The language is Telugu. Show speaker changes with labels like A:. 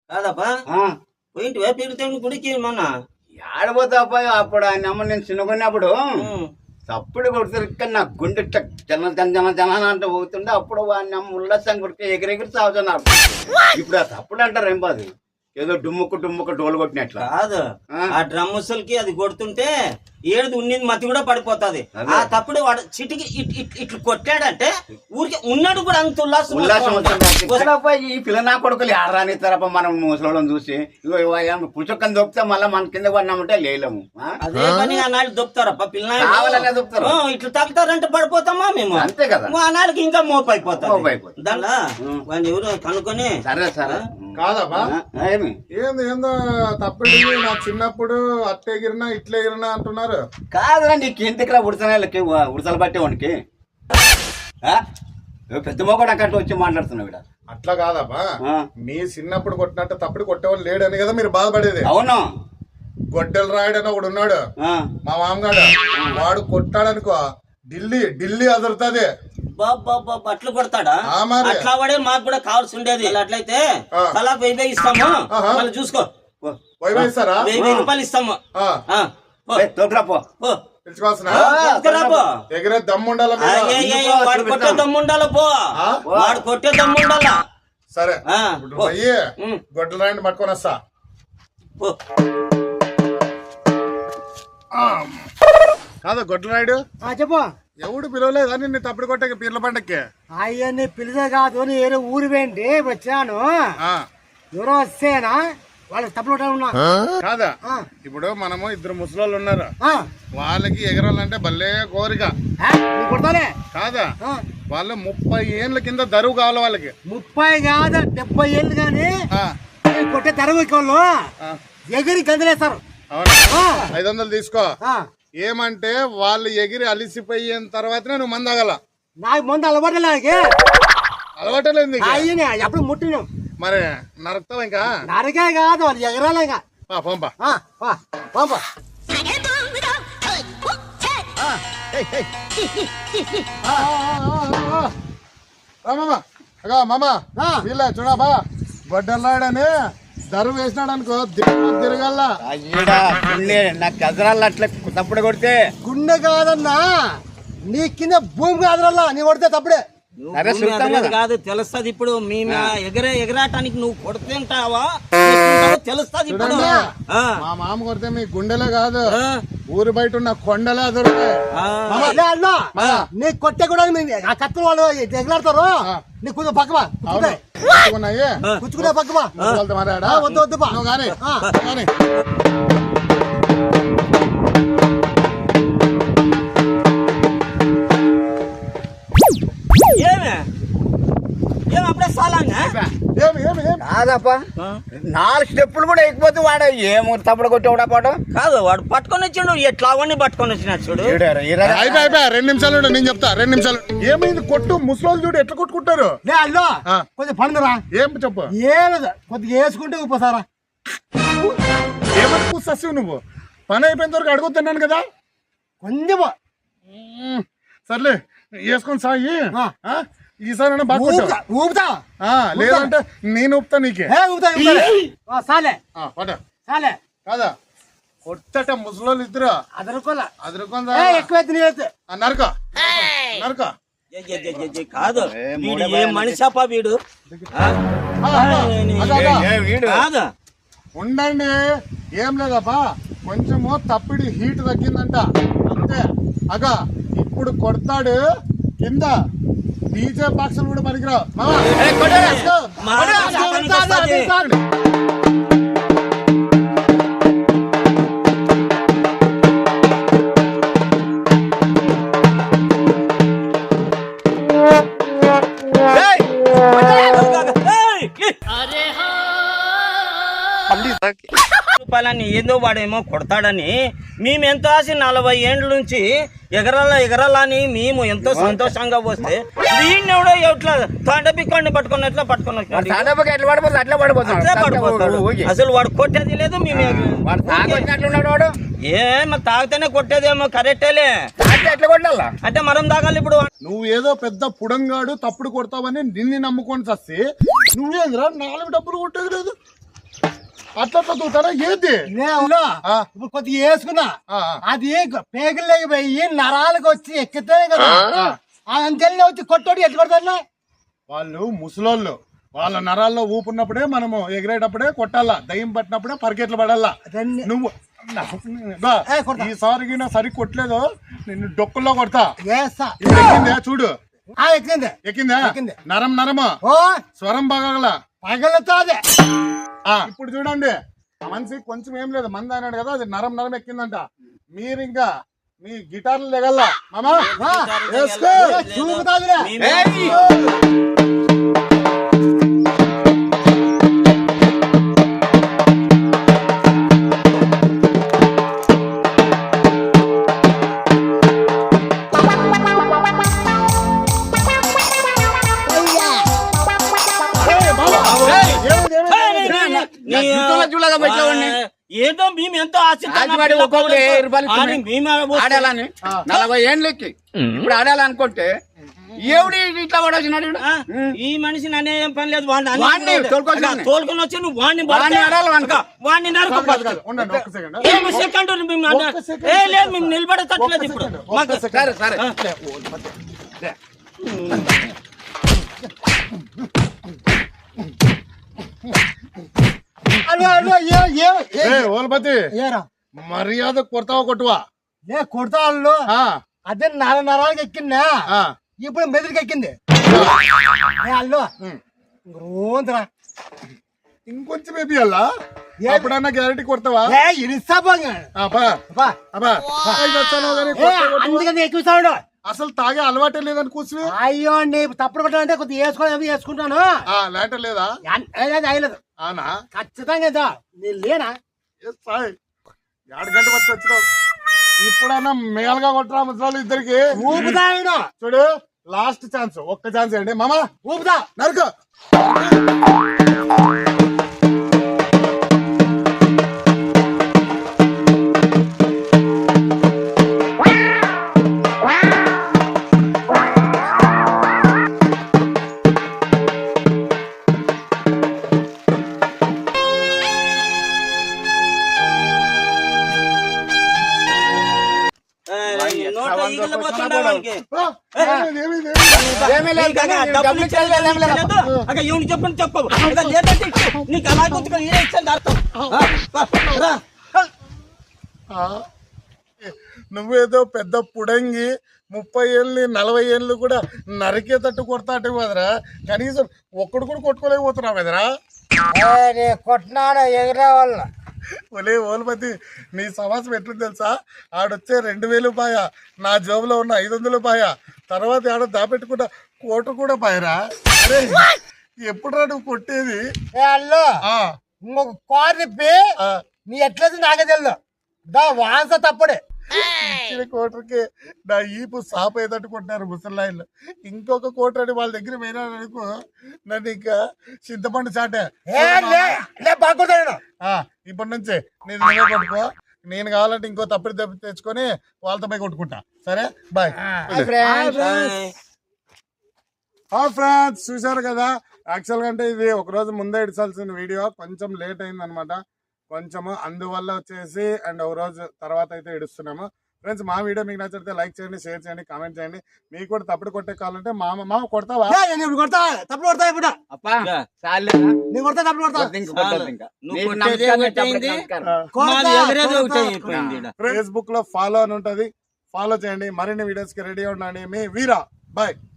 A: కాదప్పా పోయింటివా పీరుతాడు గుడికి మొన్న
B: ఆడబోతాపా అప్పుడు ఆయన అమ్మ నేను చిన్నకున్నప్పుడు తప్పుడు కొడుతురు నా గుండె జన జన జన జన అంటే పోతుండే అప్పుడు వాడిని అమ్మ ఉల్లాసం కొడుకు ఎగిరెగిరి సాగుతున్నారు. ఇప్పుడు ఆ తప్పుడు అంటారు ఏం బాదు ఏదో డుమ్ముకు డోలు కొట్టినట్లా
A: కాదు. ఆ డ్రమ్ముసలకి అది కొడుతుంటే ఏడు ఉన్నది మతి కూడా పడిపోతుంది. ఆ తప్పుడు వాడు చిటికి ఇట్లు కొట్టాడంటే ఊరికి ఉన్నాడు కూడా అంత ఉల్లాసం
B: ఈ పిల్ల నా కొడుకులు ఆడరానిస్తారప్ప మనం ముసలోళ్ళని చూసి పుచ్చక్కని దొప్పితే మళ్ళీ మన కింద పడినామంటే లేలేము.
A: అదే పని ఆనాడు దొప్పుతారప్ప
B: పిల్లలు దొప్పుతారు
A: ఇట్లా తగ్గుతారంటే పడిపోతామా మేము.
B: అంతే కదా
A: ఆనాడికి ఇంకా మోపు అయిపోతాం. దానిలో వాడిని ఎవరు కనుక్కొని
B: సరే సరే
C: కాదమ్మా ఏందో తప్పుడు నా చిన్నప్పుడు అట్ట ఎగిరినా ఇట్లా ఎగిరినా అంటున్నారు.
B: కాదురా నీకు ఎందుకురా ఉడతనాలకి ఉడతలు పట్టే వానికి పెద్ద మొగడు అక్కడికి వచ్చి మాట్లాడుతున్నావు.
C: అట్లా కాదమ్మా మీ చిన్నప్పుడు కొట్టినట్టు తప్పుడు కొట్టేవాళ్ళు లేడని కదా మీరు బాధపడేది.
B: అవును
C: గొడ్డెలు రాయడని ఒకడు ఉన్నాడు మా మామగాడు, వాడు కొట్టాడనుకో ఢిల్లీ అదురుతుంది.
A: అట్లు కొడతాడా? అట్లా వాడే మాకు కూడా కావాల్సి ఉండేది. అట్లయితే అలా 1000 ఇస్తాము మళ్ళీ చూసుకో. 1000 రూపాయలు ఇస్తాము.
C: ఎగిరే దమ్ముండాల
A: వాడు కొట్టే దమ్ముండాల పో, వాడు కొట్టే దమ్ముండాల.
C: సరే అయ్యే గొడ్డలు రాయండి పట్టుకొని వస్తా. కాదా గొడ్డలు రాయుడు
D: చెప్పు.
C: ఎవడు పిలవలేదు అని నీ తప్పుడు కొట్టే పీర్ల పండక్కి.
D: అయ్యన్ని పిలిచే కాదు వేరే ఊరు పోయింది వచ్చాను. ఎవరో వస్తేనా వాళ్ళకి తప్పుడు ఉన్నా
C: కాదా. ఇప్పుడు మనము ఇద్దరు ముసలోళ్ళు ఉన్నారు, వాళ్ళకి ఎగరాలంటే భలే కోరిక కాదా. వాళ్ళు 30 ఏళ్ళ కింద దరువు కావాలి వాళ్ళకి.
D: 30 కాదు 70 ఏళ్ళు కానీ కొట్టే దరువు వాళ్ళు ఎగిరి గందలేస్తారు.
C: అవునా 500 తీసుకో. ఏమంటే వాళ్ళు ఎగిరి అలిసిపోయిన తర్వాతనే నువ్వు మందు తాగల.
D: నాకు మందు
C: అలవాటలేదు
D: ఎప్పుడు ముట్టినాం.
C: మరి నరకుతావు ఇంకా?
D: నరకే కాదు వాళ్ళు ఎగరాలి ఇంకా.
C: పంపా మామా వీళ్ళ చూడబా గొడ్డలాడని దరువు వేసినాడు అనుకో తిరగల
B: నాకు కదరాలు అట్లా తప్పుడు కొడితే
D: గుండె కాదన్నా నీ కింద భూమి కాదరల్లా నీ కొడితే తప్పుడే
A: కాదు తెలుస్తుంది. ఇప్పుడు మేము ఎగరాటానికి నువ్వు కొడుతుంటావా తెలుస్తుంది. ఇప్పుడు
C: మా మామ కొడితే మీ గుండెలే కాదు ఊరు బయట ఉన్న కొండలే దొరుకుతాయి.
D: నీ కొట్టే కూడా ఆ కత్తులు వాళ్ళు ఎగలాడతారు. నీ కొంచెం పక్కవా కూర్చుకునే పక్కవా వద్దు వద్దు
C: కానీ
B: కాదప్ప 4 స్టెప్పులు కూడా ఎక్కిపోతే వాడు ఏమో తప్పుడు కొట్టేవాడా పాట
A: కాదు. వాడు పట్టుకొని వచ్చిండు ఎట్లా అవన్నీ పట్టుకొని వచ్చినాడు చూడు.
C: 2 నిమిషాలు నేను చెప్తా. 2 నిమిషాలు ఏమైంది కొట్టు. ముసలోళ్ళు చూడు ఎట్లా కొట్టుకుంటారు.
D: కొంచెం పండురా
C: ఏం చెప్పు.
D: ఏమదా కొద్దిగా వేసుకుంటే ఉపసారా
C: ఏమని పూస్తావు నువ్వు. పని అయిపోయిన వరకు అడుగుతున్నాను కదా.
D: కొంచెం
C: సర్లే వేసుకొని సాయి. ఈసారి
D: ఊపుతా
C: లేదంటే నేను ఊపుతా నీకే. కాదా కొట్టట ముసలోళ్ళు ఇద్దరు నరక
A: కాదు. మనిషాపా వీడు కాదు.
C: ఉండండి ఏం లేదప్పా కొంచెము తప్పిడి హీట్ తగ్గిందంట అంతే. అగా ఇప్పుడు కొడతాడు కింద డీజే బాక్సులు కూడా పనికిరావు.
A: రూపాయలని ఏదో వాడేమో కొడతాడని మేము ఎంతో ఆశ 40 ఏండ్ల నుంచి ఎగరాలని మేము ఎంతో సంతోషంగా వస్తే దీన్ని ఎవడో ఎట్లా తాండపిక్కోండి పట్టుకుని ఎట్లా పట్టుకుని అసలు వాడు కొట్టేది లేదు. మేము ఏమో తాగితేనే కొట్టేదేమో కరెక్టేలే.
B: ఎట్లా కొట్టాలా
A: అంటే మనం తాగాలి. ఇప్పుడు
C: నువ్వు ఏదో పెద్ద పుడంగాడు తప్పుడు కొడతావని నిన్ను నమ్ముకొని చస్తే నువ్వేంద్రా 4 డబ్బులు కొట్టేది లేదు. అట్లా దూతారా ఏంది
D: నేను
C: ఆ.
D: ఇప్పుడు కొద్దిగా వేసుకున్నా
C: ఆ,
D: అది పేగులకి పోయి నరాలకు వచ్చి ఎక్కితే కదా అంతెల్లి వచ్చి కొట్టోడు ఎట్టు కొడతారులే
C: వాళ్ళు ముసలోళ్ళు వాళ్ళ నరాల్లో ఊపున్నప్పుడే మనము ఎగిరేటప్పుడే కొట్టాలా దయ్యం పట్టినప్పుడే పరిగెట్లు పడాలా
D: రెండు
C: నువ్వు బా,
D: ఏ, కొడతా.
C: ఈసారికి నా సరి కొట్టలేదు నిన్ను డొక్కుల్లో కొడతా
D: వేస్తా
C: ఇప్పుడు ఎక్కిందే చూడు
D: ఎక్కింది
C: ఎక్కిందా
D: ఎక్కింది.
C: నరం నరము
D: ఓ
C: స్వరం బాగల
D: పగలుతుంది
C: ఇప్పుడు చూడండి ఆ మనిషి కొంచెం ఏం లేదు మంది అన్నాడు కదా అది నరం నరం ఎక్కిందంట మీరు ఇంకా మీ గిటార్లు లెగల్లా మామా వేసుకో.
D: చూపుతాదిలే
A: ఏదో మేము ఎంతో
B: రాజవాడి ఒక్కొక్కటి 1000 రూపాయలు ఇస్తున్నాడు. ఆడాలని 40 ఏండ్లకి ఇప్పుడు ఆడాలనుకుంటే ఎవడి ఇట్లా పడొచ్చినాడు ఈడు?
A: ఈ మనిషి నన్ను ఏం పని లేదు
B: వాడిని తోలుకొచ్చాను.
A: తోలుకొని వచ్చి నువ్వు వాడిని
B: వాడిని ఆడాలి వానికి.
A: వాడిని నరకు
C: ఉండండి ఒక్క సెకండ్
A: ఏమి సెకండ్ లేదు మేము నిలబడతట్లేదు ఇప్పుడు మాకు
B: సరే సరే
C: ఓల్పతి మర్యాద కొడతావా కొట్టువా
D: కొడతా వాళ్ళు
C: ఆ,
D: అదే నరాలకి ఎక్కిందా
C: ఆ.
D: ఇప్పుడు మెదడుకి ఎక్కింది వాళ్ళు రోంతరా
C: ఇంకొంచెం బేబీ అల్లా ఎప్పుడన్నా గ్యారెంటీ కొడతావా
D: అందుకని ఎక్కువ సౌండ్
C: అసలు తాగే అలవాటే లేదని కూర్చుని
D: అయ్యో అండి తప్పుడు కొట్టాలంటే కొద్దిగా వేసుకోవాలి వేసుకుంటాను
C: లేటర్ లేదా
D: అయ్యలేదు
C: అవునా
D: ఖచ్చితంగా ఇదా. నేను లేనా
C: 2 గంట పట్టి వచ్చినావు ఇప్పుడన్నా మేలుగా కొట్టరా ముసలి ఇద్దరికి
D: ఊపుతా ఆయన
C: చూడు లాస్ట్ ఛాన్స్ ఒక్క ఛాన్స్ అండి మామా
D: ఊపుతా
C: నరుకు
A: నోట్లో ఈగలు పోతుండే వానికి.
B: ఏమీ లేదు కానీ
A: డబ్బులు ఇచ్చేది ఏమీ లేదు. అక్క ఈవిని చెప్పని చెప్పవు అక్క లేదంటే ఇచ్చు. నీకు అలా గుర్తుగా ఈడే ఇచ్చింది అర్థం రా.
C: నువ్వేదో పెద్ద పుడంగి 30 ఏళ్ళు 40 ఏళ్ళు కూడా నరికేటట్టు కొడతా అంటే కదరా కనీసం ఒక్కడు కూడా కొట్టుకోలేకపోతున్నావు కదరా
D: కొట్టినాడు ఎగిరే వాళ్ళు
C: ఒలే ఓల్పతి నీ సమాసం ఎట్లుంది తెలుసా ఆడొచ్చే 2000 పాయ నా జోబులో ఉన్న 500 పాయ తర్వాత ఆడ దాపెట్టుకుంటా కోట కూడా పాయరా అరే ఎప్పుడురా నువ్వు కొట్టేది
D: వాళ్ళు
C: ఆ,
D: ఇంకొక కార్ తిప్పి
C: ఆ,
D: నీ ఎట్లేదు నాకే తెలియదు దా వాంస తప్పుడే
C: ఇచ్చిన కోటర్కి నా ఈపు సాప్ ఏదట్టు కొట్టారు ముసలాయిలు ఇంకొక కోటరని వాళ్ళ దగ్గర పోయినారనుకో నన్ను ఇంకా చింతపండు చాటే
D: బాగుంటాను
C: ఇప్పటి నుంచి నేను నువ్వే కొట్టుకో నేను కావాలంటే ఇంకో తప్పుడు దెబ్బ తెచ్చుకొని వాళ్ళతో పోయి కొట్టుకుంటా సరే బాయ్ ఫ్రెండ్స్ చూసారు కదా యాక్చువల్గా అంటే ఇది ఒక రోజు ముందే ఇడిచాల్సిన వీడియో కొంచెం లేట్ అయింది అనమాట కొంచెము అందువల్ల వచ్చేసి అండ్ ఒక రోజు తర్వాత అయితే ఇడుస్తున్నాము ఫ్రెండ్స్ మా వీడియో మీకు నచ్చితే లైక్ చేయండి షేర్ చేయండి కామెంట్ చేయండి మీకు కూడా తప్పుడు కొట్టే కావాలంటే మామ కొడతావా
D: కొడతా తప్పుడు కొడతా ఇప్పుడు
B: అప్పా చాలేదా?
D: నీ కొడతా తప్పుడు కొడతా
B: ఇంక కొట్టొద్దు ఇంకా.
A: నువ్వు
B: నీకు
A: కొట్టేది
B: నమస్కారం,
A: ఒకటి అయింది.
B: నమస్కారం.
A: మాది ఎగరేది ఒకటి అయిపోయింది ఈడ.
C: ఫేస్బుక్ లో ఫాలో అని ఉంటది ఫాలో చేయండి మరిన్ని వీడియోస్ కి రెడీ ఉండండి మీ వీరా బాయ్